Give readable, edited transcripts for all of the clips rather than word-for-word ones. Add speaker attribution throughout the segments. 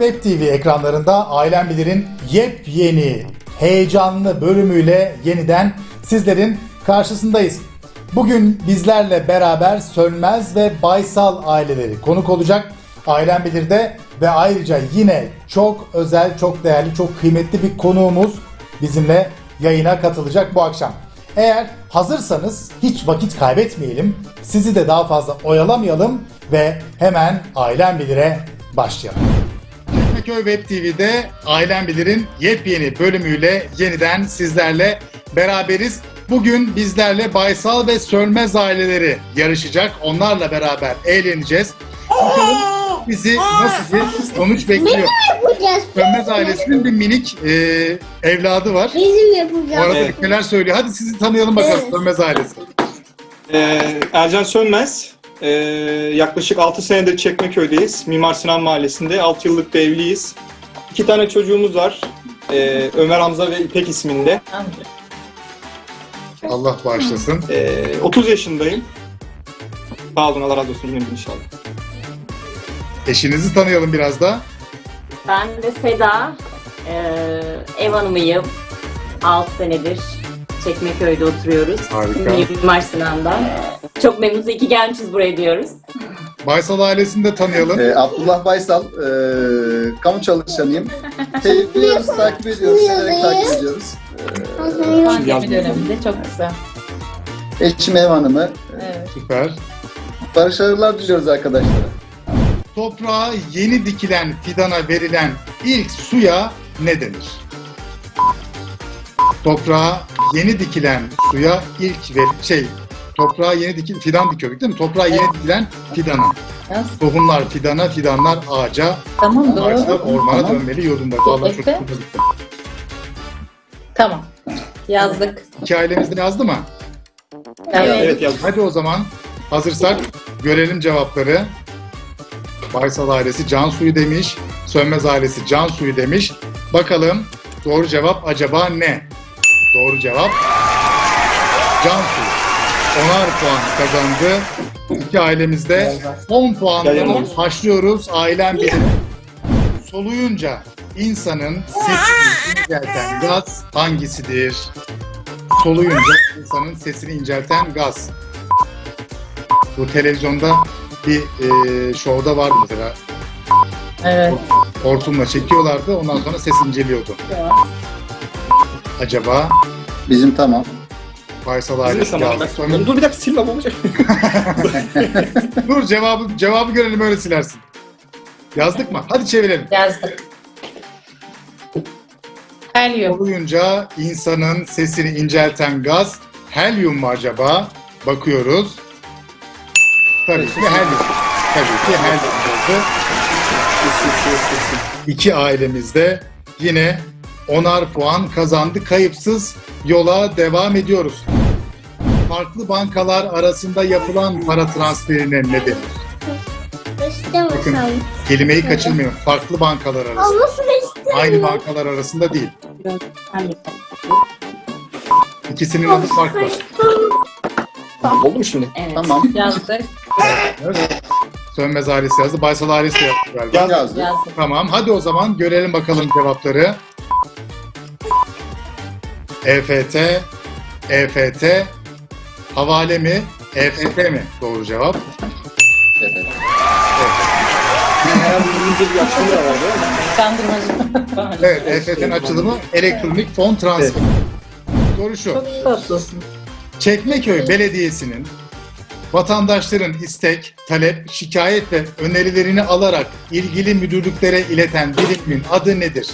Speaker 1: Web TV ekranlarında Ailem Bilir'in yepyeni, heyecanlı bölümüyle yeniden sizlerin karşısındayız. Bugün bizlerle beraber Sönmez ve Baysal aileleri konuk olacak Ailem Bilir'de ve ayrıca yine çok özel, çok değerli, çok kıymetli bir konuğumuz bizimle yayına katılacak bu akşam. Eğer hazırsanız hiç vakit kaybetmeyelim, sizi de daha fazla oyalamayalım ve hemen Ailem Bilir'e başlayalım. Çekmeköy Web TV'de Ailem Bilir'in yepyeni bölümüyle yeniden sizlerle beraberiz. Bugün bizlerle Baysal ve Sönmez aileleri yarışacak. Onlarla beraber eğleneceğiz. Bakalım bizi nasıl bir sonuç bekliyor. Sönmez ailesinin bir minik evladı var.
Speaker 2: Bizim yapacağız.
Speaker 1: Bu arada neler söylüyor. Hadi sizi tanıyalım bakalım Sönmez ailesi.
Speaker 3: Ercan Sönmez. Yaklaşık 6 senedir Çekmeköy'deyiz. Mimar Sinan Mahallesi'nde. 6 yıllık da evliyiz. 2 tane çocuğumuz var. Ömer Hamza ve İpek isminde.
Speaker 1: Allah bağışlasın.
Speaker 3: 30 yaşındayım. Sağ olun, Allah razı olsun yine inşallah.
Speaker 1: Eşinizi tanıyalım biraz da.
Speaker 4: Ben de Seda, ev hanımıyım. 6 senedir Çekmeköy'de oturuyoruz.
Speaker 1: Harika.
Speaker 4: Mimar Sinan'dan. Çok memnunuz, iyi ki gelmişiz buraya diyoruz.
Speaker 1: Baysal ailesini de tanıyalım.
Speaker 5: Abdullah Baysal, kamu çalışanıyım. Seviyoruz, takip ediyoruz, severek takip ediyoruz.
Speaker 4: Pandemi döneminde çok güzel.
Speaker 5: Eşim ev hanımı.
Speaker 4: Evet.
Speaker 1: Süper.
Speaker 5: Başarılar diliyoruz arkadaşlara.
Speaker 1: Toprağa yeni dikilen fidana verilen ilk suya ne denir? Toprağa yeni dikilen suya toprağa yeni fidan dikiyorduk değil mi? Toprağa yeni dikilen fidana.
Speaker 4: Nasıl?
Speaker 1: Tohumlar fidana, fidanlar ağaca,
Speaker 4: Tamam, doğru.
Speaker 1: ağaçlar ormana
Speaker 4: Tamam.
Speaker 1: dönmeli yolunda. Vallahi çok
Speaker 4: Efe?
Speaker 1: güzel gitti.
Speaker 4: Tamam. Yazdık.
Speaker 1: İki ailemiz de yazdı mı?
Speaker 3: Evet yazdım.
Speaker 1: Hadi o zaman hazırsak görelim cevapları. Baysal ailesi can suyu demiş, Sönmez ailesi can suyu demiş. Bakalım doğru cevap acaba ne? Doğru cevap can suyu. 10'ar puan kazandı. İki ailemizde 10 puanla başlıyoruz. Ailem Bilir. Soluyunca insanın sesini incelten gaz hangisidir? Soluyunca insanın sesini incelten gaz. Bu televizyonda bir şovda vardı mesela.
Speaker 4: Evet.
Speaker 1: Hortumla çekiyorlardı, ondan sonra ses inceliyordu. Acaba
Speaker 5: Bizim tamam.
Speaker 1: Baysal
Speaker 3: Bizim de
Speaker 1: ailesi
Speaker 3: tamam.
Speaker 1: yazdı. Sonra...
Speaker 3: Dur bir dakika, silmem olacak.
Speaker 1: Dur cevabı görelim, öyle silersin. Yazdık mı? Hadi çevirelim.
Speaker 4: Yazdık. Helyum.
Speaker 1: Soluyunca insanın sesini incelten gaz helyum mu acaba? Bakıyoruz. Tabii ki helyum. Tabii ki helyum oldu. İki ailemizde yine 10'ar puan kazandı. Kayıpsız yola devam ediyoruz. Farklı bankalar arasında yapılan para transferine ne denir? Bakın, kelimeyi kaçırmayın. Farklı bankalar arasında.
Speaker 2: Olmasını istiyorum.
Speaker 1: Aynı bankalar arasında değil. İkisinin adı farklı.
Speaker 3: Oldu mu şimdi?
Speaker 4: Evet.
Speaker 5: Tamam.
Speaker 4: Yazdık.
Speaker 1: Evet. Sönmez ailesi yazdı. Baysal ailesi yazdı galiba.
Speaker 5: Yazdık.
Speaker 4: Yazdık.
Speaker 1: Tamam. Hadi o zaman görelim bakalım cevapları. EFT, EFT, havale mi, EFT mi? Doğru cevap.
Speaker 5: Evet.
Speaker 3: Herhalde İngilizce bir açılımı da var değil mi?
Speaker 4: Kandırmacı.
Speaker 1: Evet, EFT'nin açılımı elektronik fon transferi. Soru şu.
Speaker 4: Tatlısın.
Speaker 1: Çekmeköy Belediyesi'nin vatandaşların istek, talep, şikayet ve önerilerini alarak ilgili müdürlüklere ileten birimin adı nedir?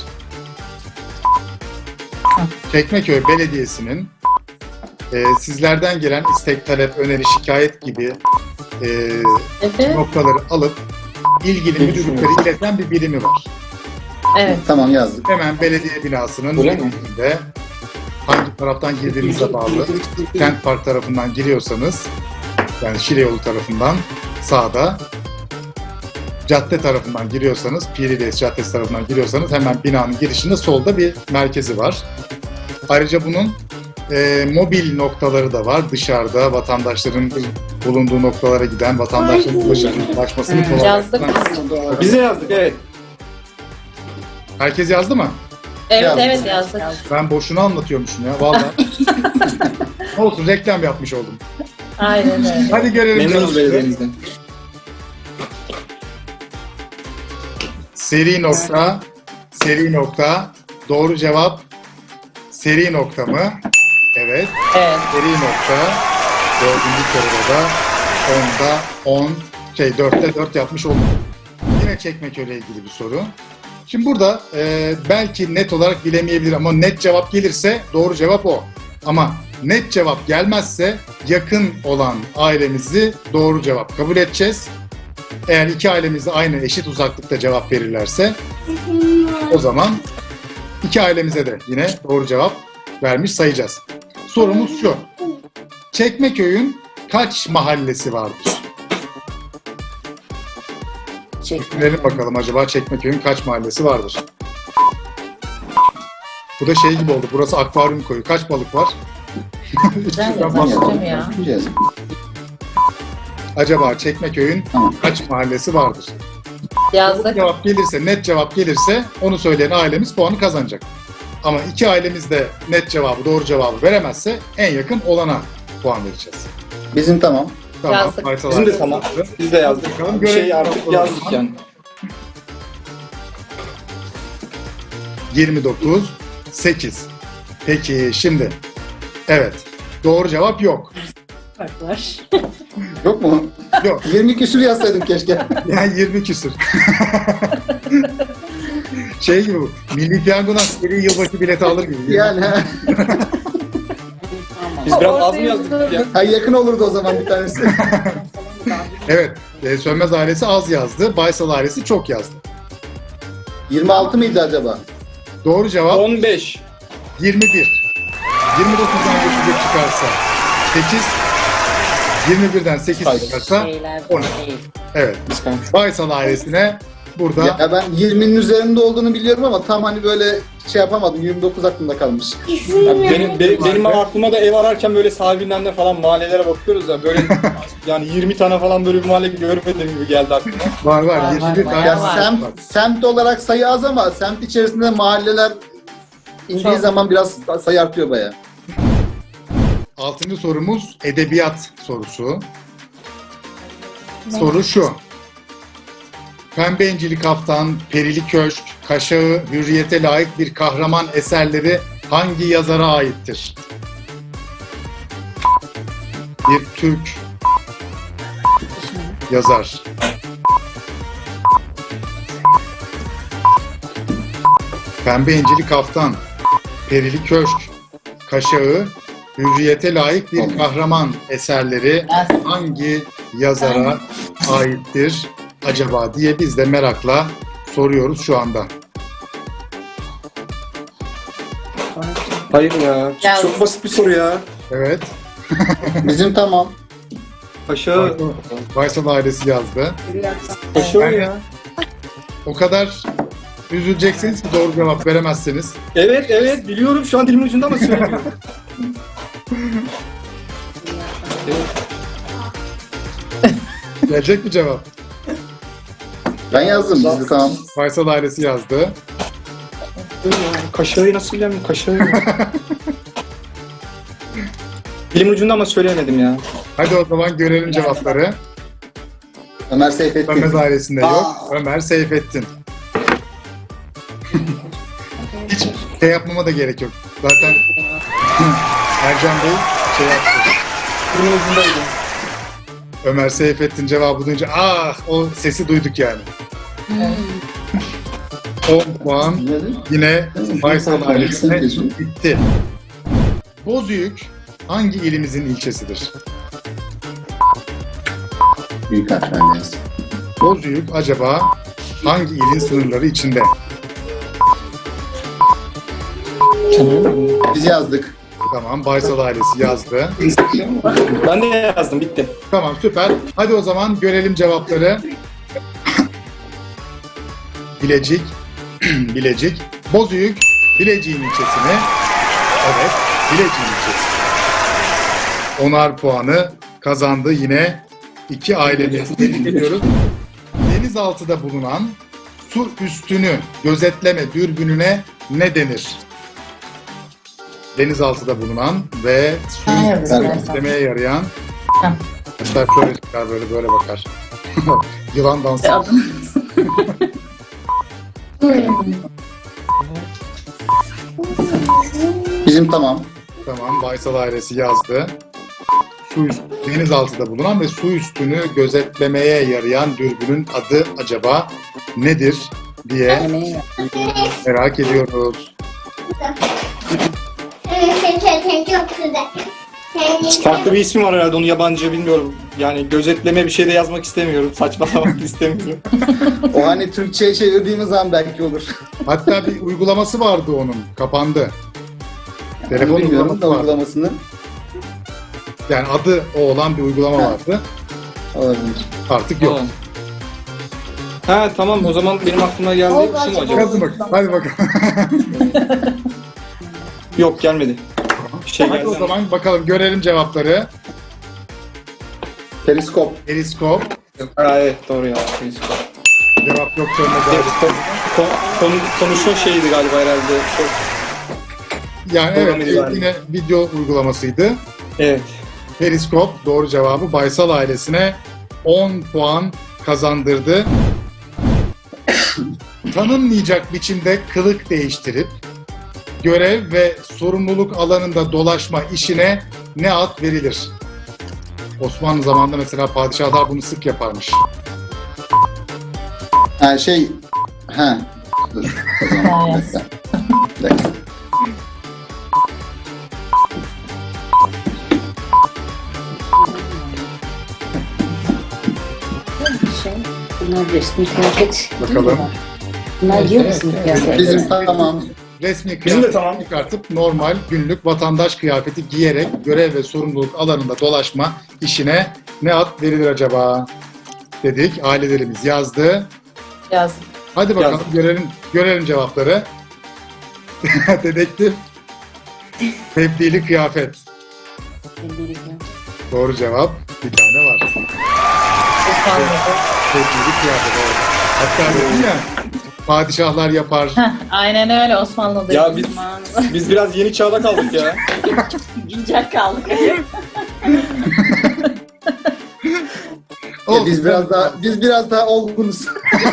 Speaker 1: Çekmeköy Belediyesi'nin sizlerden gelen istek, talep, öneri, şikayet gibi
Speaker 4: Efe?
Speaker 1: noktaları alıp ilgili müdürlüklere ileten bir birimi var.
Speaker 4: Evet.
Speaker 5: Tamam yazdık.
Speaker 1: Hemen belediye binasının
Speaker 3: Öyle mi?
Speaker 1: önünde, hangi taraftan girdiğinize bağlı. Kent Park tarafından giriyorsanız, yani Şile yolu tarafından sağda, cadde tarafından giriyorsanız, Pirides Caddesi tarafından giriyorsanız hemen binanın girişinde solda bir merkezi var. Ayrıca bunun mobil noktaları da var. Dışarıda vatandaşların bulunduğu noktalara giden, vatandaşların ulaşmasını
Speaker 4: Yazdık.
Speaker 1: kolaylaştıran.
Speaker 3: Biz de yazdık, evet.
Speaker 1: Herkes yazdı mı?
Speaker 4: Evet
Speaker 5: Yazdık.
Speaker 4: evet yazdık.
Speaker 1: Ben boşuna anlatıyormuşum ya vallahi. Olsun, reklam yapmış oldum.
Speaker 4: Aynen öyle.
Speaker 1: Hadi görelim
Speaker 3: Memnunuz
Speaker 1: cevapları.
Speaker 3: belediyemizden.
Speaker 1: Seri nokta, seri nokta. Doğru cevap seri nokta mı? Evet.
Speaker 4: Evet.
Speaker 1: Seri nokta. Dördüncü soruda da 4'te 4 yapmış olduk. Yine Çekmeköy'le ilgili bir soru. Şimdi burada belki net olarak bilemeyebilir ama net cevap gelirse doğru cevap o. Ama net cevap gelmezse yakın olan ailemizi doğru cevap kabul edeceğiz. Eğer iki ailemiz de aynı eşit uzaklıkta cevap verirlerse o zaman iki ailemize de yine doğru cevap vermiş sayacağız. Sorumuz şu. Çekmeköy'ün kaç mahallesi vardır? Görelim bakalım acaba Çekmeköy'ün kaç mahallesi vardır? Bu da şey gibi oldu. Burası akvaryum koyu. Kaç balık var?
Speaker 4: Ben de
Speaker 1: Ben fazla-
Speaker 4: başlayacağım ya.
Speaker 5: Güzel.
Speaker 1: Acaba Çekmeköy'ün
Speaker 5: Tamam.
Speaker 1: kaç mahallesi vardır?
Speaker 4: Yazdık.
Speaker 1: Cevap gelirse, net cevap gelirse onu söyleyen ailemiz puanı kazanacak. Ama iki ailemiz de net cevabı, doğru cevabı veremezse en yakın olana puan vereceğiz.
Speaker 5: Bizim tamam.
Speaker 1: Tamam.
Speaker 4: Yazdık.
Speaker 1: Faysal
Speaker 3: Bizim de
Speaker 1: abi.
Speaker 3: tamam. Biz de yazdık.
Speaker 1: Bakalım
Speaker 3: Bir şey
Speaker 1: görelim.
Speaker 3: artık yazdık yani.
Speaker 1: 29, 8. Peki şimdi, evet, doğru cevap yok.
Speaker 4: Fark var.
Speaker 5: Yok mu?
Speaker 1: Yok,
Speaker 5: 20 küsür yazsaydım keşke.
Speaker 1: yani 20 küsür. Şey gibi bu, Milli Piyango'dan seri yılbaşı bileti alır gibi.
Speaker 5: Yani ha.
Speaker 3: Biz biraz az mı yazdık ya?
Speaker 5: Ha, yakın olurdu o zaman bir tanesi.
Speaker 1: Evet, Sönmez ailesi az yazdı, Baysal ailesi çok yazdı.
Speaker 5: 26 mıydı acaba?
Speaker 1: Doğru cevap
Speaker 3: 15.
Speaker 1: 21. 29'dan geçecek çıkarsa 8, 21'den 8
Speaker 5: Hayır.
Speaker 1: çıkarsa
Speaker 4: Şeyler
Speaker 1: 10.
Speaker 4: değil.
Speaker 1: Evet, Baysal ailesine burada
Speaker 5: Ya ben 20'nin üzerinde olduğunu biliyorum ama tam hani böyle şey yapamadım. 29 aklımda kalmış.
Speaker 3: Benim aklıma da ev ararken böyle sahibinden falan mahallelere bakıyoruz ya böyle yani 20 tane falan böyle bir mahalle görmedim gibi geldi aklıma.
Speaker 1: var
Speaker 4: Var,
Speaker 1: 21
Speaker 4: var,
Speaker 1: tane
Speaker 5: Ya
Speaker 4: var.
Speaker 5: semt olarak sayı az ama semt içerisinde mahalleler indiği
Speaker 4: Çok.
Speaker 5: zaman biraz sayı artıyor bayağı.
Speaker 1: 6. sorumuz edebiyat sorusu. Soru şu. Pembe İncili Kaftan, Perili Köşk, Kaşağı, Hürriyete layık bir kahraman eserleri hangi yazara aittir? Bir Türk yazar. Pembe İncili Kaftan, Perili Köşk, Kaşağı, Hürriyete layık bir kahraman eserleri hangi yazara aittir acaba diye biz de merakla soruyoruz şu anda.
Speaker 3: Hayır ya.
Speaker 4: Ya-
Speaker 3: Çok basit bir soru ya.
Speaker 1: Evet,
Speaker 5: Bizim tamam.
Speaker 3: Paşa.
Speaker 1: Baysal ailesi yazdı.
Speaker 3: Paşa ya.
Speaker 1: O kadar üzüleceksiniz ki doğru cevap veremezseniz.
Speaker 3: Evet biliyorum şu an dilimin ucunda ama söylemiyorum.
Speaker 1: Gelecek mi cevap?
Speaker 5: Ben yazdım bizi tamam.
Speaker 1: Baysal ailesi yazdı.
Speaker 3: Kaşağı nasıl bilemem? Kaşağı ya. Dilimin ucunda ama söyleyemedim ya.
Speaker 1: Hadi o zaman görelim cevapları.
Speaker 5: Ömer Seyfettin.
Speaker 1: Ömer ailesinde yok. Ömer Seyfettin. Hiç şey yapmama da gerek yok. Zaten Ercan Bey şey yaptı.
Speaker 3: Dilimin ucundaydı.
Speaker 1: Ömer Seyfettin cevabı duyunca o sesi duyduk yani. 10 puan yine Baysal ailesine gitti. Bozüyük hangi ilimizin ilçesidir?
Speaker 5: Büyük harflerle yazdım.
Speaker 1: Bozüyük acaba hangi ilin sınırları içinde?
Speaker 5: Biz yazdık.
Speaker 1: Tamam, Baysal ailesi yazdı.
Speaker 3: Ben de yazdım bitti.
Speaker 1: Tamam, süper. Hadi o zaman görelim cevapları. Bilecik, Bilecik. Bozüyük, Bilecik'in ilçesini. Evet, Bilecik'in ilçesi. 10'ar puanı kazandı yine iki ailemiz. Tebrik ediyoruz. Denizaltıda bulunan su üstünü gözetleme dürbününe ne denir? Denizaltıda bulunan ve suyu
Speaker 2: Evet,
Speaker 1: gözetlemeye yarayan.
Speaker 2: Tamam.
Speaker 1: Hatta şöyle çıkar, böyle bakar. Yılan dansı.
Speaker 5: Bizim tamam.
Speaker 1: Tamam, Baysal ailesi yazdı. Denizaltıda bulunan ve su üstünü gözetlemeye yarayan dürbünün adı acaba nedir diye merak ediyoruz.
Speaker 6: Çok güzel.
Speaker 3: Farklı bir ismi var herhalde, onu yabancı bilmiyorum. Yani gözetleme bir şey de yazmak istemiyorum. Saçmalamak istemiyorum.
Speaker 5: O hani Türkçe'ye çevirdiğimiz zaman belki olur.
Speaker 1: Hatta bir uygulaması vardı onun, kapandı. Telefon
Speaker 5: Bilmiyorum da
Speaker 1: uygulaması vardı.
Speaker 5: uygulamasını.
Speaker 1: Yani adı o olan bir uygulama vardı.
Speaker 5: Olabilir.
Speaker 1: Artık yok.
Speaker 3: Ha tamam, o zaman benim aklıma geldi. Şu mu acaba?
Speaker 1: Hadi bak, hadi bakalım.
Speaker 3: Yok, gelmedi. Bir şey
Speaker 1: Hadi
Speaker 3: geldi
Speaker 1: o
Speaker 3: ama.
Speaker 1: zaman bakalım, görelim cevapları.
Speaker 5: Periskop.
Speaker 1: Periskop.
Speaker 3: Ha, evet doğru ya. Periskop.
Speaker 1: Cevap yok.
Speaker 3: Konuşma şeyiydi galiba herhalde.
Speaker 1: Yani
Speaker 3: Programı
Speaker 1: evet,
Speaker 3: galiba.
Speaker 1: yine video uygulamasıydı.
Speaker 3: Evet.
Speaker 1: Periskop doğru cevabı Baysal ailesine 10 puan kazandırdı. Tanınmayacak biçimde kılık değiştirip görev ve sorumluluk alanında dolaşma işine ne ad verilir? Osmanlı zamanında mesela padişahlar bunu sık yaparmış.
Speaker 5: Ha şey... Ha. Dur. O zaman bir dakika. Bir dakika.
Speaker 2: Bunlar resmi kıyafet.
Speaker 1: Bakalım.
Speaker 2: Bunlar giyiyor musun kıyafet?
Speaker 5: Bizim tamam.
Speaker 1: Resmi
Speaker 3: Bizim de
Speaker 1: kıyafet
Speaker 3: tamam.
Speaker 1: çıkartıp normal günlük vatandaş kıyafeti giyerek görev ve sorumluluk alanında dolaşma işine ne ad verilir acaba? Dedik. Ailelerimiz yazdı.
Speaker 2: Yaz.
Speaker 1: Hadi bakalım
Speaker 3: Yazdım.
Speaker 1: görelim cevapları. Dedektif. Tebdili kıyafet. Doğru cevap. Bir tane var. Tebdili kıyafet. Evet. Hatta dedim ya, padişahlar yapar.
Speaker 2: Aynen öyle, Osmanlı'da.
Speaker 3: Ya biz biraz yeni çağda kaldık ya.
Speaker 4: Güncel kaldık.
Speaker 1: Olsun.
Speaker 5: Biz biraz daha olgunuz.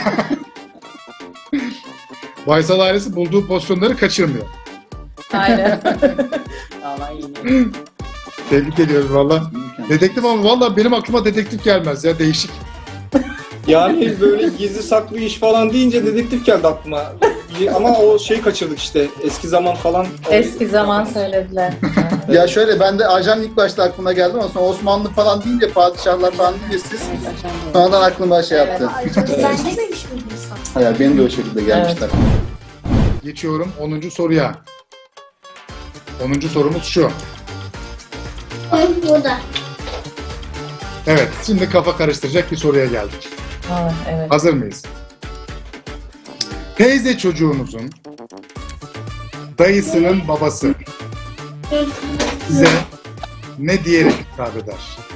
Speaker 1: Baysal ailesi bulduğu pozisyonları kaçırmıyor.
Speaker 2: Aynen.
Speaker 4: Vallahi yeni.
Speaker 1: Tebrik ediyoruz valla. Dedektif ama valla benim aklıma dedektif gelmez ya, değişik.
Speaker 3: Yani böyle gizli saklı iş falan deyince dedektif geldi aklıma. Ama o şeyi kaçırdık işte. Eski zaman falan.
Speaker 2: Eski zaman söylediler.
Speaker 5: Ya şöyle, ben de ajan ilk başta aklıma geldi ama sonra Osmanlı falan deyince, padişahlar falan deyince siz sonradan aklıma şey yaptı.
Speaker 6: Ben dememiş miydim sana?
Speaker 5: Hayır, benim de o şekilde gelmişler.
Speaker 1: Geçiyorum 10. soruya. 10. sorumuz şu.
Speaker 6: Burada.
Speaker 1: Evet, şimdi kafa karıştıracak bir soruya geldik.
Speaker 2: Evet.
Speaker 1: Hazır mıyız? Teyze çocuğunuzun dayısının babası size ne diyerek hitap eder?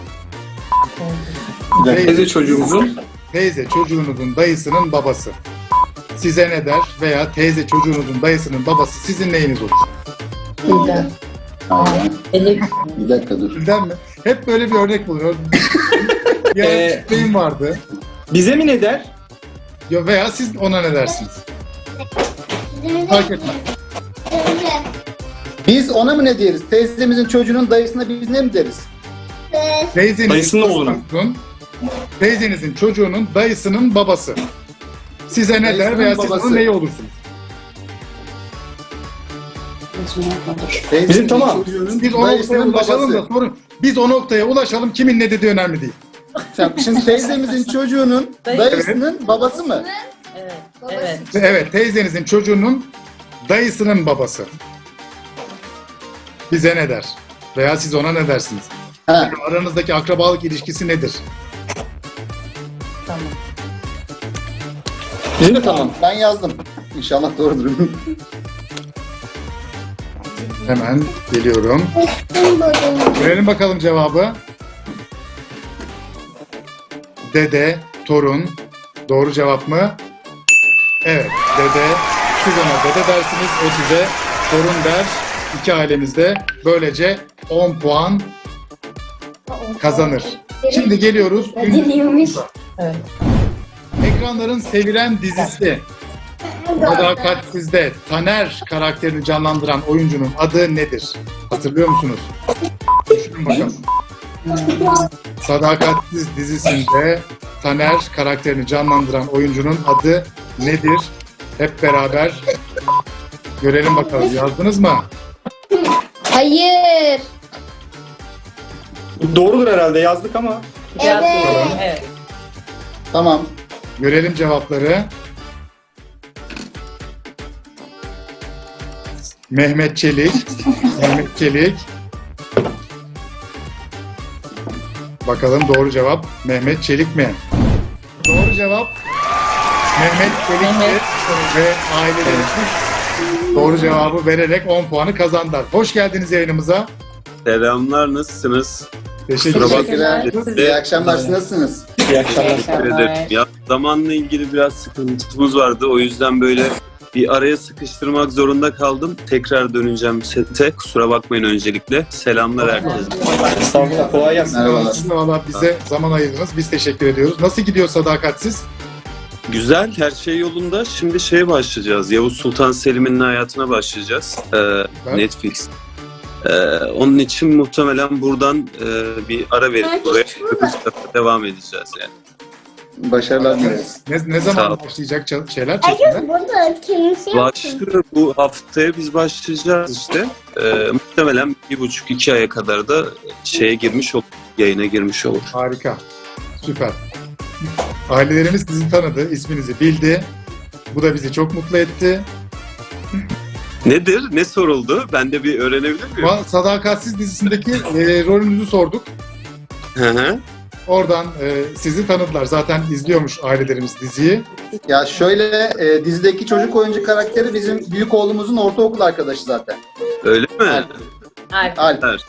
Speaker 3: Teyze çocuğumuzun.
Speaker 1: Teyze çocuğunuzun dayısının babası size ne der veya teyze çocuğunuzun dayısının babası sizin neyiniz olur?
Speaker 2: Bilden.
Speaker 5: Aynen.
Speaker 2: Elif.
Speaker 5: Bir dakika dur.
Speaker 1: Bilden mi? Hep böyle bir örnek buluyor. Bir örneğim vardı.
Speaker 3: Bize mi ne der?
Speaker 1: Ya veya siz ona ne dersiniz? Fark etmez.
Speaker 5: Biz ona mı ne deriz? Teyzemizin çocuğunun dayısına biz ne mi deriz?
Speaker 3: Dayısının oğlunu.
Speaker 1: Teyzenizin çocuğunun dayısının babası. Size ne der
Speaker 5: Dayısının
Speaker 1: veya siz
Speaker 5: babası.
Speaker 1: onun neyi olursunuz?
Speaker 5: Teyzemizin
Speaker 3: Bizim tamam.
Speaker 5: çocuğunun
Speaker 1: Biz o noktaya
Speaker 5: dayısının
Speaker 1: ulaşalım
Speaker 5: babası.
Speaker 1: da sorun. Biz o noktaya ulaşalım, kimin ne dediği önemli değil.
Speaker 5: Şimdi teyzemizin çocuğunun dayısının babası mı?
Speaker 2: Evet. Evet.
Speaker 1: Evet, teyzenizin çocuğunun dayısının babası. Bize ne der? Veya siz ona ne dersiniz?
Speaker 5: Ha.
Speaker 1: Aranızdaki akrabalık ilişkisi nedir?
Speaker 2: Tamam.
Speaker 3: Bizim de tamam.
Speaker 5: Ben yazdım. İnşallah doğrudur.
Speaker 1: Hemen geliyorum. Görelim bakalım cevabı. Dede, torun. Doğru cevap mı? Evet, dede. Siz ona dede dersiniz, o size torun der. İki ailemizde böylece 10 puan kazanır. Şimdi geliyoruz.
Speaker 6: Dinliyormuş.
Speaker 2: Evet.
Speaker 1: Ekranların sevilen dizisi Sadakatsiz'de Taner karakterini canlandıran oyuncunun adı nedir? Hatırlıyor musunuz? Düşünün bakalım. Sadakatsiz dizisinde Taner karakterini canlandıran oyuncunun adı nedir? Hep beraber görelim bakalım. Yazdınız mı?
Speaker 6: Hayır.
Speaker 3: Doğrudur herhalde, yazdık ama.
Speaker 2: Biraz
Speaker 6: Evet.
Speaker 2: doğru. Evet.
Speaker 5: Tamam.
Speaker 1: Görelim cevapları. Mehmet Çelik. Mehmet Çelik. Bakalım doğru cevap Mehmet Çelik mi? Doğru cevap Mehmet Çelik'ti
Speaker 2: Mehmet
Speaker 1: ve ailelerimiz doğru cevabı vererek 10 puanı kazandılar. Hoş geldiniz yayınımıza.
Speaker 7: Selamlar, nasılsınız?
Speaker 1: Teşekkür
Speaker 7: Kusura
Speaker 1: ederim.
Speaker 5: Teşekkürler. İyi akşamlar. Siz nasılsınız?
Speaker 3: İyi akşamlar.
Speaker 7: Teşekkür ederim. Ya, zamanla ilgili biraz sıkıntımız vardı. O yüzden böyle bir araya sıkıştırmak zorunda kaldım. Tekrar döneceğim sete. Kusura bakmayın öncelikle. Selamlar herkese.
Speaker 3: Estağfurullah, kolay gelsin.
Speaker 5: Merhabalar.
Speaker 1: Siz de valla bize zaman ayırdınız. Biz teşekkür ediyoruz. Nasıl gidiyor Sadakatsiz?
Speaker 7: Güzel, her şey yolunda. Şimdi şeye başlayacağız. Yavuz Sultan Selim'in hayatına başlayacağız. Netflix. Onun için muhtemelen buradan bir ara verip buraya devam edeceğiz yani.
Speaker 5: Başarılar dileriz.
Speaker 1: Ne
Speaker 7: Sağ
Speaker 1: zaman
Speaker 7: ol.
Speaker 1: başlayacak şeyler çekimler?
Speaker 6: Burada kimse yok.
Speaker 7: Başlıyor, bu haftaya biz başlayacağız işte. Muhtemelen 1,5-2 aya kadar da şeye girmiş olur, yayına girmiş olur.
Speaker 1: Harika. Süper. Ailelerimiz sizi tanıdı, isminizi bildi. Bu da bizi çok mutlu etti.
Speaker 7: Nedir? Ne soruldu? Ben de bir öğrenebilir miyim?
Speaker 1: Sadakatsiz dizisindeki rolünüzü sorduk.
Speaker 7: Hı hı.
Speaker 1: Oradan sizi tanıdılar. Zaten izliyormuş ailelerimiz diziyi.
Speaker 5: Ya şöyle dizideki çocuk oyuncu karakteri bizim büyük oğlumuzun ortaokul arkadaşı zaten.
Speaker 7: Öyle mi?
Speaker 2: Alp.
Speaker 5: Alp.
Speaker 2: Alp.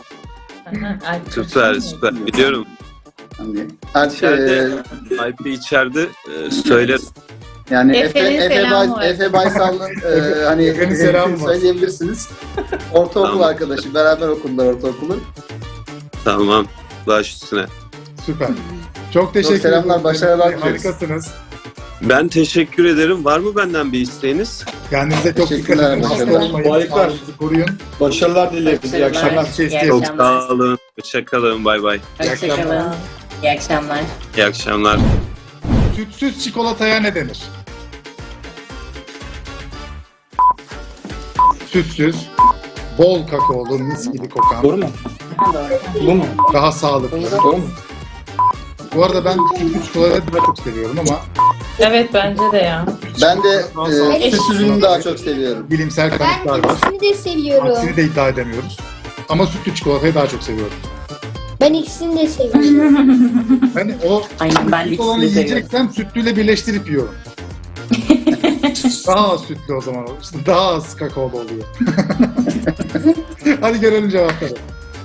Speaker 7: Süper, süper. Biliyorum.
Speaker 5: Hani Alp
Speaker 7: İçeride, Alp'i içeride söylerim.
Speaker 5: yani
Speaker 2: Efe'nin selamı var.
Speaker 5: Efe Baysal'ın hani
Speaker 1: Efe'nin selamı var.
Speaker 5: söyleyebilirsiniz. Ortaokul
Speaker 7: Tamam.
Speaker 5: arkadaşı. Beraber okundular ortaokulu.
Speaker 7: Tamam. Baş üstüne.
Speaker 1: Süper. Çok teşekkür ederim.
Speaker 5: selamlar, başarılar dileriz.
Speaker 1: Harikasınız.
Speaker 7: Ben teşekkür ederim. Var mı benden bir isteğiniz?
Speaker 1: Kendinize çok dikkat
Speaker 5: Teşekkürler,
Speaker 1: edin. Hasta
Speaker 5: başarılar.
Speaker 1: olmayın.
Speaker 3: Harika.
Speaker 1: Sağlığınızı koruyun.
Speaker 3: Başarılar dileriz. İyi akşamlar.
Speaker 1: Şey
Speaker 2: İyi
Speaker 1: istiyorum.
Speaker 7: Çok sağ olun. Hoşçakalın. Bay bay.
Speaker 2: Hoşçakalın. İyi akşamlar.
Speaker 7: İyi akşamlar.
Speaker 1: Sütsüz çikolataya ne denir? Sütsüz, bol kakaolu, mis gibi kokan,
Speaker 3: Doğru mu?
Speaker 2: Doğru.
Speaker 3: Bu mu?
Speaker 1: daha sağlıklı.
Speaker 3: Doğru mu?
Speaker 1: Bu arada ben sütlü çikolatayı daha çok seviyorum ama
Speaker 2: Evet bence de ya.
Speaker 5: Ben de süt ürünü daha çok seviyorum.
Speaker 1: bilimsel
Speaker 6: Ben
Speaker 1: kanıtlar var.
Speaker 6: ikisini de seviyorum.
Speaker 1: Aksini de iddia edemiyoruz. Ama sütlü çikolatayı daha çok seviyorum.
Speaker 6: Ben ikisini de seviyorum.
Speaker 1: Ben o
Speaker 4: Aynen, ben
Speaker 1: sütlü olanı
Speaker 4: ikisini seviyorum.
Speaker 1: yiyeceksem sütlüyle birleştirip yiyorum. Daha az sütlü o zaman olur. İşte daha az kakaolu oluyor. Hadi görelim cevapları.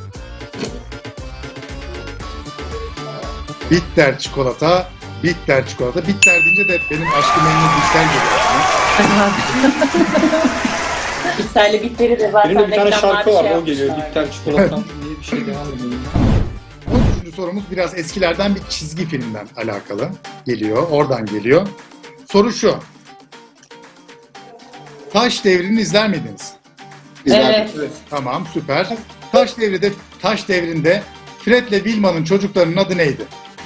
Speaker 1: Bitter çikolata, bitter çikolata. Bitter deyince de benim aşkım memnun bitter geliyor aklıma.
Speaker 4: Bitterli bitteri de zaten
Speaker 3: Benim de bir tane
Speaker 4: reklamlarda
Speaker 3: şarkı var,
Speaker 4: şey
Speaker 3: o geliyor.
Speaker 4: yapmışlar.
Speaker 3: Bitter çikolatam diye bir şey devam ediyor.
Speaker 1: 13. sorumuz biraz eskilerden bir çizgi filmden alakalı geliyor. Oradan geliyor. Soru şu. Taş Devri'ni izler miydiniz?
Speaker 2: Evet.
Speaker 1: Tamam, süper. Taş Devri'nde Fred ve Wilma'nın çocuklarının adı neydi?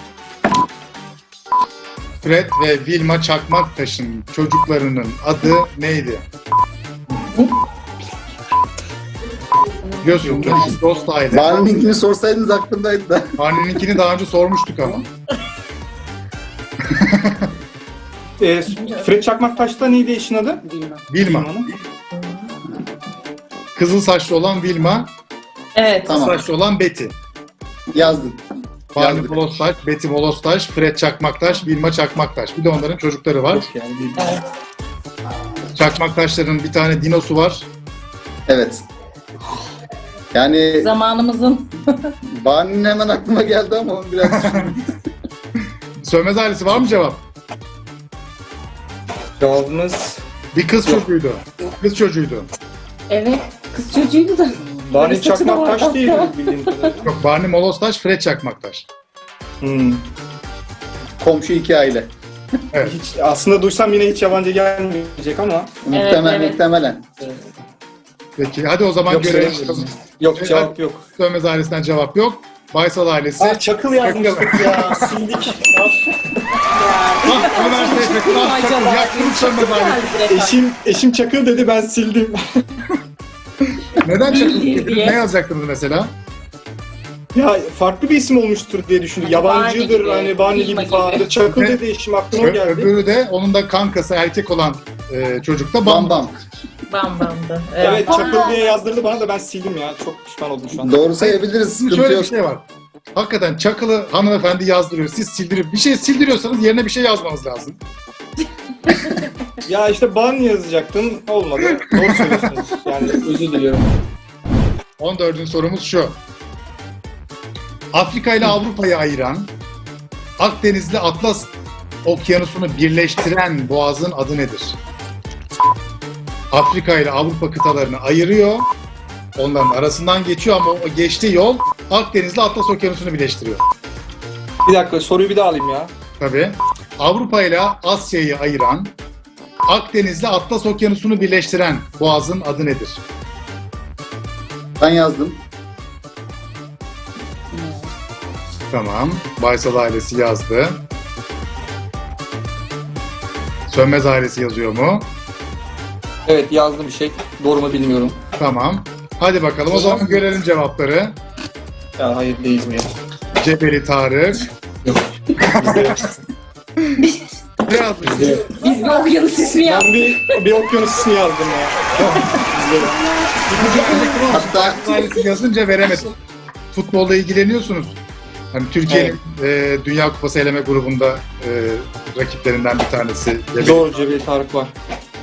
Speaker 1: Fred ve Wilma Çakmaktaş'ın çocuklarının adı neydi? Biliyorsunuz biz dost aile.
Speaker 5: Barney'inkini sorsaydınız aklımdaydı da.
Speaker 1: Barney'inkini daha önce sormuştuk ama.
Speaker 3: Fred Çakmaktaş'ta neydi eşin adı?
Speaker 4: Bilmem.
Speaker 1: Wilma.
Speaker 3: Wilma'nın.
Speaker 1: Kızıl saçlı olan Wilma,
Speaker 2: Evet.
Speaker 5: Tamam.
Speaker 1: saçlı olan Betty.
Speaker 5: Yazdım.
Speaker 1: Barney
Speaker 5: Yazdık.
Speaker 1: Molostaş, Betty Molostaş, Fred Çakmaktaş, Wilma Çakmaktaş. Bir de onların çocukları var.
Speaker 3: Yani bir...
Speaker 2: Evet.
Speaker 1: Çakmaktaşların bir tane dinosu var.
Speaker 5: Evet. Yani
Speaker 2: Zamanımızın
Speaker 5: Barney'in hemen aklıma geldi ama onu biraz
Speaker 1: Sönmez ailesi var mı cevap?
Speaker 3: Cevabımız
Speaker 1: Bir kız
Speaker 3: Yok.
Speaker 1: çocuğuydu. Kız çocuğuydu.
Speaker 4: Evet. Kız çocuğuydu da.
Speaker 3: Barney
Speaker 4: Böyle saçı da
Speaker 3: Çakmaktaş
Speaker 4: vardı
Speaker 3: değil
Speaker 4: hatta.
Speaker 3: bildiğim kadarıyla.
Speaker 1: Yok, Barney Molostaş, Fred Çakmaktaş.
Speaker 5: Komşu iki aile.
Speaker 3: Hiç, aslında duysam yine hiç yabancı gelmeyecek ama
Speaker 2: evet.
Speaker 5: Muhtemelen.
Speaker 1: Peki hadi o zaman
Speaker 3: yok
Speaker 1: görelim.
Speaker 3: söylemiyorum. Yok cevap yok.
Speaker 1: Sönmez ailesinden cevap yok. Baysal ailesi.
Speaker 3: Çakıl yazmıştık ya. Sildik.
Speaker 1: Ömer Seyfettin. Çakıl. Yaktınız Sönmez ailesi.
Speaker 3: Eşim Çakıl dedi, ben sildim.
Speaker 1: Neden Çakıl?
Speaker 4: Bildiği diye.
Speaker 1: Ne yazacaktınız mesela?
Speaker 3: Ya farklı bir isim olmuştur diye düşündüm.
Speaker 4: Hani
Speaker 3: Yabancıdır,
Speaker 4: Barney gibi,
Speaker 3: hani Barney gibi
Speaker 4: Vilma
Speaker 3: falan.
Speaker 4: gibi.
Speaker 3: Çakıl
Speaker 1: Ve-
Speaker 3: dedi, eşim aklıma geldi.
Speaker 1: Öbürü de onun da kankası erkek olan çocuk da
Speaker 5: Bam bam.
Speaker 2: Bam bamdı.
Speaker 3: Evet, Çakıl diye yazdırdı bana da ben sildim ya. Çok pişman oldum şu an.
Speaker 5: Doğru sayabiliriz.
Speaker 1: Şimdi
Speaker 5: Sıkıntı
Speaker 1: şöyle
Speaker 5: yok.
Speaker 1: bir şey var. Hakikaten Çakıl'ı hanımefendi yazdırıyor. Siz sildirip bir şey sildiriyorsanız yerine bir şey yazmanız lazım.
Speaker 3: Ya işte Barney yazacaktım, olmadı. Doğru söylüyorsunuz. Yani özür diliyorum.
Speaker 1: 14. sorumuz şu. Afrika ile Avrupa'yı ayıran, Akdeniz'le Atlas Okyanusu'nu birleştiren boğazın adı nedir? Afrika ile Avrupa kıtalarını ayırıyor. Onların arasından geçiyor ama o geçtiği yol Akdeniz'le Atlas Okyanusu'nu birleştiriyor.
Speaker 3: Bir dakika, soruyu bir daha alayım ya.
Speaker 1: Tabii. Avrupa ile Asya'yı ayıran, Akdeniz'le Atlas Okyanusu'nu birleştiren boğazın adı nedir?
Speaker 5: Ben yazdım.
Speaker 1: Tamam. Baysal ailesi yazdı. Sönmez ailesi yazıyor mu?
Speaker 3: Evet, yazdım bir şey. Doğru mu bilmiyorum.
Speaker 1: Tamam. Hadi bakalım o zaman görelim cevapları.
Speaker 3: Ya hayır, değil mi ya?
Speaker 1: Cebeli Tarık.
Speaker 3: Yok.
Speaker 1: Ne yazmış?
Speaker 4: Biz bir okyanus ismi
Speaker 3: Ben
Speaker 4: yaptık.
Speaker 3: bir okyanus ismi yazdım ya.
Speaker 5: Hatta
Speaker 1: Ailesi yazınca veremedim. Futbolla ilgileniyorsunuz. Hani Türkiye'nin Dünya Kupası eleme grubunda rakiplerinden bir tanesi.
Speaker 3: Doğru, Cebeli Tarık var.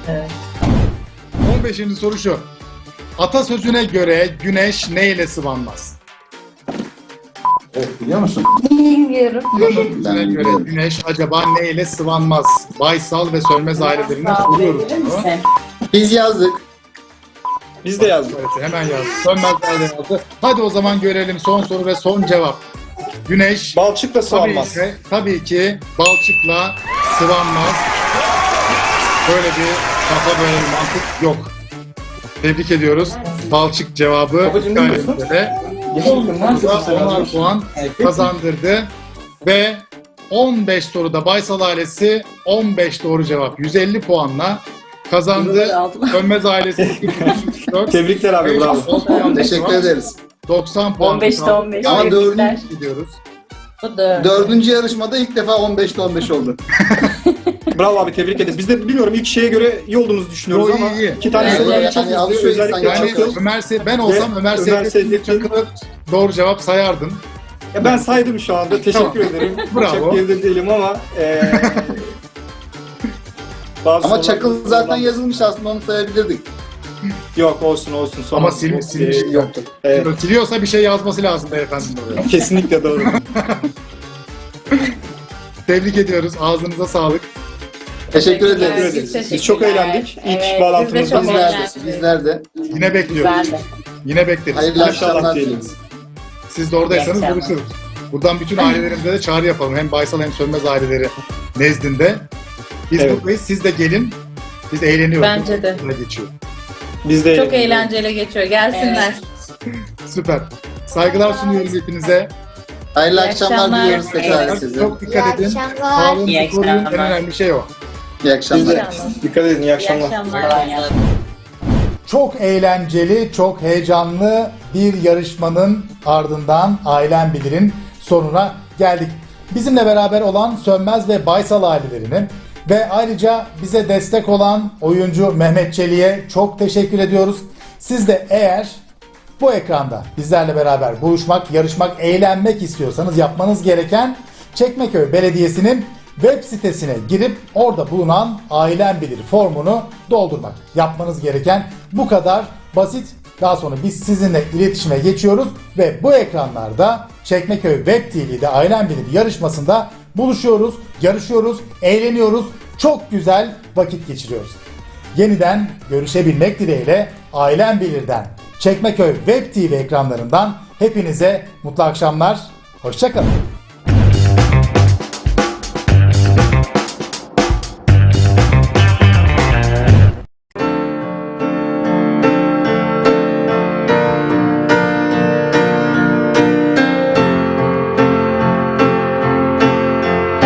Speaker 1: 15. soru şu. Atasözüne göre güneş neyle sıvanmaz?
Speaker 5: biliyor musun?
Speaker 6: Bilmiyorum.
Speaker 1: Atasözüne göre güneş acaba neyle sıvanmaz? Baysal ve Sönmez ailelerinden soruyoruz bunu.
Speaker 5: Biz yazdık.
Speaker 3: Biz de yazdık.
Speaker 1: Evet, hemen yazdı. Sönmez aile yazdı. Hadi o zaman görelim son soru ve son cevap. Güneş
Speaker 3: Balçıkla sıvanmaz.
Speaker 1: tabii ki balçıkla sıvanmaz. Böyle bir kafa, böyle bir mantık yok. Tebrik ediyoruz. Balçık cevabı
Speaker 3: Babacığım, ne diyorsun?
Speaker 1: Burada 10'ar puan kazandırdı. Ve 15 soruda Baysal ailesi 15 doğru cevap 150 puanla kazandı. Sönmez ailesi 4.
Speaker 3: Tebrikler abi, bravo.
Speaker 5: Teşekkür ederiz.
Speaker 1: 90 puan.
Speaker 4: 15'te 15.
Speaker 5: Ama
Speaker 4: Tebrikler.
Speaker 1: gidiyoruz.
Speaker 2: Bu da.
Speaker 5: Dördüncü yarışmada ilk defa 15'te 15 oldu.
Speaker 3: Bravo abi, tebrik ederiz. Biz de bilmiyorum, ilk şeye göre iyi olduğumuzu düşünüyoruz
Speaker 1: Yo,
Speaker 3: ama
Speaker 1: iyi.
Speaker 3: iki tane
Speaker 2: Evet,
Speaker 3: soru
Speaker 2: evet.
Speaker 3: çok
Speaker 5: Yani
Speaker 3: hızlı.
Speaker 5: alışıyor
Speaker 3: Özellikle
Speaker 5: insan,
Speaker 1: Yani
Speaker 3: Çakıl.
Speaker 1: ben olsam Ömer Seyfettin
Speaker 3: Seyfettin.
Speaker 1: Çakır'ı doğru cevap sayardım.
Speaker 3: Ya ben saydım şu anda. Teşekkür ederim.
Speaker 1: Bravo.
Speaker 3: Çok geride değilim ama bazı
Speaker 5: Ama
Speaker 3: sorular-
Speaker 5: Çakıl zaten yazılmış, aslında onu sayabilirdik.
Speaker 3: Yok, olsun. Sonra
Speaker 1: Ama silmiş.
Speaker 3: yoktu. Evet,
Speaker 1: Siliyorsa bir şey yazması lazım beyefendinin oraya.
Speaker 3: kesinlikle doğru.
Speaker 1: Tebrik ediyoruz. Ağzınıza sağlık.
Speaker 5: Teşekkür
Speaker 3: Teşekkür
Speaker 5: ederiz.
Speaker 3: ederiz. Biz çok eğlendik. İlk
Speaker 2: Evet,
Speaker 3: bağlantımızda.
Speaker 2: biz de çok
Speaker 5: Bizler de.
Speaker 2: eğlendik.
Speaker 5: Bizler de.
Speaker 1: Yine bekliyoruz.
Speaker 4: Güzeldi.
Speaker 1: Yine bekleriz.
Speaker 5: Hayırlı
Speaker 3: İnşallah
Speaker 5: akşamlar
Speaker 3: diyelim.
Speaker 5: dileriz.
Speaker 1: Siz de oradaysanız
Speaker 4: İyi akşamlar.
Speaker 1: buluşuruz. Buradan bütün ailelerimize de çağrı yapalım. Hem Baysal hem Sönmez aileleri nezdinde. Biz
Speaker 3: Evet.
Speaker 1: buradayız. Siz de gelin. Biz eğleniyoruz.
Speaker 2: Bence de.
Speaker 1: Burada geçiyor.
Speaker 3: Biz de
Speaker 2: Çok eğlenceli geçiyor. Gelsinler.
Speaker 1: Süper. Saygılar sunuyoruz hepinize.
Speaker 5: Hayırlı
Speaker 2: İyi
Speaker 5: akşamlar
Speaker 2: akşamlar.
Speaker 5: diliyoruz tekrar
Speaker 2: Evet.
Speaker 5: size.
Speaker 1: Çok dikkat
Speaker 6: İyi
Speaker 1: edin.
Speaker 6: akşamlar.
Speaker 1: Sağlığınızı
Speaker 4: İyi
Speaker 1: koruyun. En
Speaker 4: akşamlar.
Speaker 1: önemli şey o.
Speaker 5: İyi
Speaker 3: Biz
Speaker 5: akşamlar.
Speaker 3: de dikkat edin. İyi
Speaker 2: İyi
Speaker 3: akşamlar.
Speaker 2: akşamlar.
Speaker 1: Çok eğlenceli, çok heyecanlı bir yarışmanın ardından Ailem Bilir'in sonuna geldik. Bizimle beraber olan Sönmez ve Baysal ailelerini ve ayrıca bize destek olan oyuncu Mehmet Çelik'e çok teşekkür ediyoruz. Siz de eğer bu ekranda bizlerle beraber buluşmak, yarışmak, eğlenmek istiyorsanız yapmanız gereken Çekmeköy Belediyesi'nin web sitesine girip orada bulunan Ailem Bilir formunu doldurmak. Yapmanız gereken bu kadar basit. Daha sonra biz sizinle iletişime geçiyoruz ve bu ekranlarda Çekmeköy Web TV'de Ailem Bilir yarışmasında buluşuyoruz, yarışıyoruz, eğleniyoruz. çok güzel vakit geçiriyoruz. Yeniden görüşebilmek dileğiyle Ailem Bilir'den, Çekmeköy Web TV ekranlarından hepinize mutlu akşamlar, hoşça kalın.